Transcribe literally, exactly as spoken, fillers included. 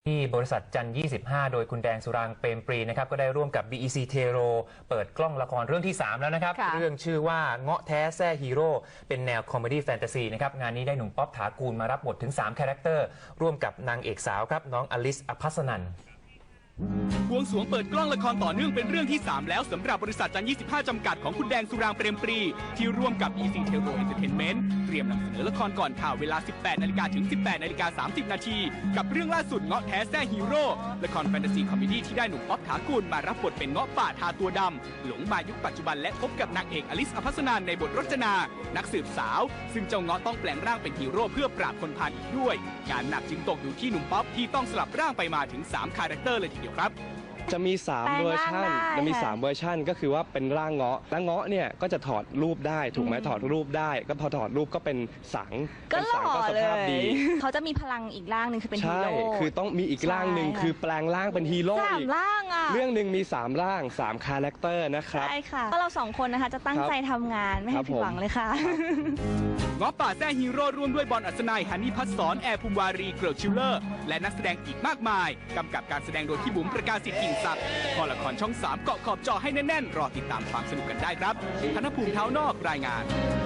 ที่บริษัทจันยี่สิบห้าโดยคุณแดงสุรางค์เปรมปรีนะครับก็ได้ร่วมกับ บี อี ซี Tero เปิดกล้องละครเรื่องที่สามแล้วนะครับเรื่องชื่อว่าเงาะแท้แซ่ฮีโร่เป็นแนวคอมเมดี้แฟนตาซีนะครับงานนี้ได้หนุ่มป๊อปถากูลมารับบทถึงสามคาแรคเตอร์ร่วมกับนางเอกสาวครับน้องอลิซ อภัสนันท์บวงสรวงเปิดกล้องละครต่อเนื่องเป็นเรื่องที่สามแล้วสำหรับบริษัทจันยี่สิบห้าจำกัดของคุณแดงสุรางค์เปรมปรีที่ร่วมกับ อี ซี Tero Entertainment เตรียมนำเสนอละครก่อนข่าวเวลา สิบแปดนาฬิกา ถึง สิบแปดนาฬิกาสามสิบ นาทีกับเรื่องล่าสุดเงาะแท้แซ่ฮีโร่ละครแฟนตาซีคอมเมดี้ที่ได้หนุ่มป๊อปถากูลมารับบทเป็นเงาะป่าทาตัวดำหลงมายุคปัจจุบันและพบกับนางเอกอลิซ อภัสนันท์ในบทรจนานักสืบสาวซึ่งเจ้าเงาะต้องแปลงร่างเป็นฮีโร่เพื่อปราบคนพาลอีกด้วยงานหนักจึงตกอยู่ที่หนุ่มป๊อปที่ต้องสลับร่างไปมาถึงสามคาแรคเตอร์เลยทีเดียวครับจะมีสามเวอร์ชันจะมีสามเวอร์ชันก็คือว่าเป็นร่างเงาะแล้วเงาะเนี่ยก็จะถอดรูปได้ถูกไหมถอดรูปได้ก็พอถอดรูปก็เป็นสังก็หล่อเลยเขาเขาจะมีพลังอีกร่างหนึ่งคือเป็นฮีโร่ใช่คือต้องมีอีกร่างหนึ่งคือแปลงร่างเป็นฮีโร่สามร่างอ่ะเรื่องหนึ่งมีสามร่างสามคาแรคเตอร์นะครับใช่ค่ะก็เราสองคนนะคะจะตั้งใจทำงานไม่ให้ผิดหวังเลยค่ะเงาะป่าแซ่ฮีโร่ร่วมด้วยบอลอัศนัยฮันนี่พัฒสอนแอร์ภูมิวารีเกริลชิลเลอร์และนักแสดงอีกมากมายกำกับการแสดงโดยพี่บุ๋มประกาศสิทธิ์กิ่งศักดิ์พอละครช่องสามเกาะขอบจอให้แน่นๆรอติดตามความสนุกกันได้ครับธนภูมิเท้านอกรายงาน